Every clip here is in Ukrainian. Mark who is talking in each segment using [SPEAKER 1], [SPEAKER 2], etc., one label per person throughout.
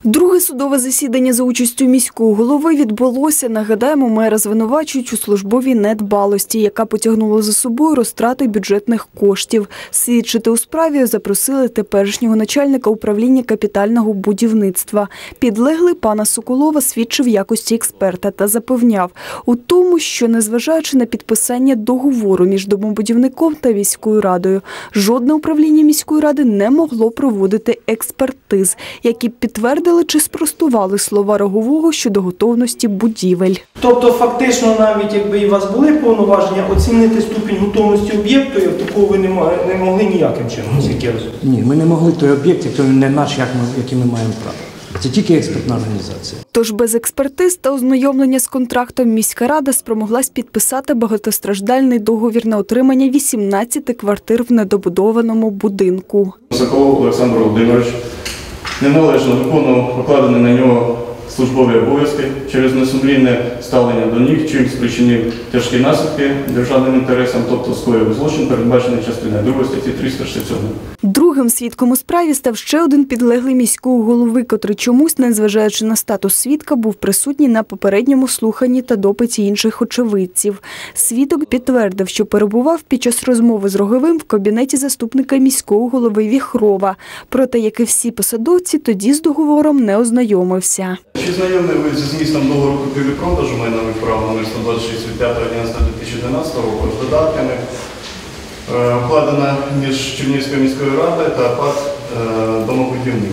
[SPEAKER 1] Друге судове засідання за участю міського голови відбулося. Нагадаємо, мера звинувачують у службовій недбалості, яка потягнула за собою розтрати бюджетних коштів. Свідчити у справі запросили теперішнього начальника управління капітального будівництва. Підлеглий пана Соколова свідчив в якості експерта та запевняв у тому, що незважаючи на підписання договору між домобудівником та міською радою, жодне управління міської ради не могло проводити експертиз, які підтвердили чи спростували слова Рогового щодо готовності будівель.
[SPEAKER 2] Тобто фактично навіть якби у вас були повноваження оцінити ступінь готовності об'єкту, такого ви не могли ніяким чином, як я розумію?
[SPEAKER 3] Ні, ми не могли той об'єкт, який не наш, який ми маємо право. Це тільки експертна організація.
[SPEAKER 1] Тож без експертиз та ознайомлення з контрактом міська рада спромоглась підписати багатостраждальний договір на отримання 18 квартир в недобудованому будинку.
[SPEAKER 4] Соколов Олександр Володимирович неналежно виконував покладені на нього службові обов'язки через несумлінне ставлення до них, чим спричинив тяжкі наслідки державним інтересам, тобто скоїв злочин, передбачений частиною 2 статті 367.
[SPEAKER 1] Другим свідком у справі став ще один підлеглий міського голови, котрий чомусь, незважаючи на статус свідка, був присутній на попередньому слуханні та допиті інших очевидців. Свідок підтвердив, що перебував під час розмови з Роговим в кабінеті заступника міського голови Віхрова. Проте, як і всі посадовці, тоді з договором не ознайомився.
[SPEAKER 4] Чи знайомі ви зі змістом договору купівлі-продажу майнових прав номер 126 від 5.11.2011 року з додатками, укладена між Чернігівською міською радою та ПАТ «Домобудівник»?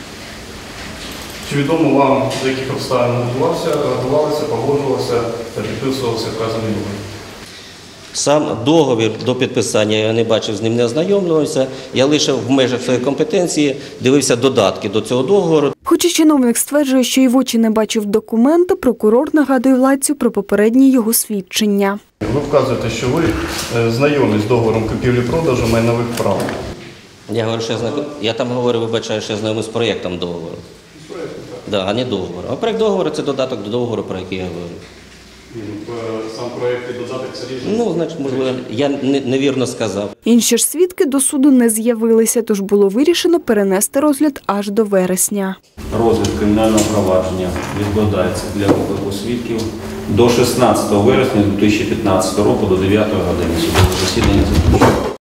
[SPEAKER 4] Чи відомо вам, з яких обставин готувалися, погоджувалися та підписувалися вказаний договір?
[SPEAKER 5] Сам договір до підписання я не бачив, з ним не ознайомлювався. Я лише в межах своєї компетенції дивився додатки до цього договору.
[SPEAKER 1] Хоча чиновник стверджує, що і в очі не бачив документи, прокурор нагадує владцю про попередні його свідчення.
[SPEAKER 4] Ви вказуєте, що ви знайомі з договором купівлі-продажу майнових прав.
[SPEAKER 5] Я говорю, що я там говорю, вибачаю, що я знайомий з проєктом договору. Да, а не договору. А проєкт договору – це додаток до договору, про який я говорю.
[SPEAKER 4] Сам проєкт і додаток – це різні?
[SPEAKER 5] Ну, значить, можливо, я невірно сказав.
[SPEAKER 1] Інші ж свідки до суду не з'явилися, тож було вирішено перенести розгляд аж до вересня.
[SPEAKER 6] Розгляд кримінального провадження відкладається для виклику свідків до 16 вересня 2015 року до 9 години. Судове засідання закінчено.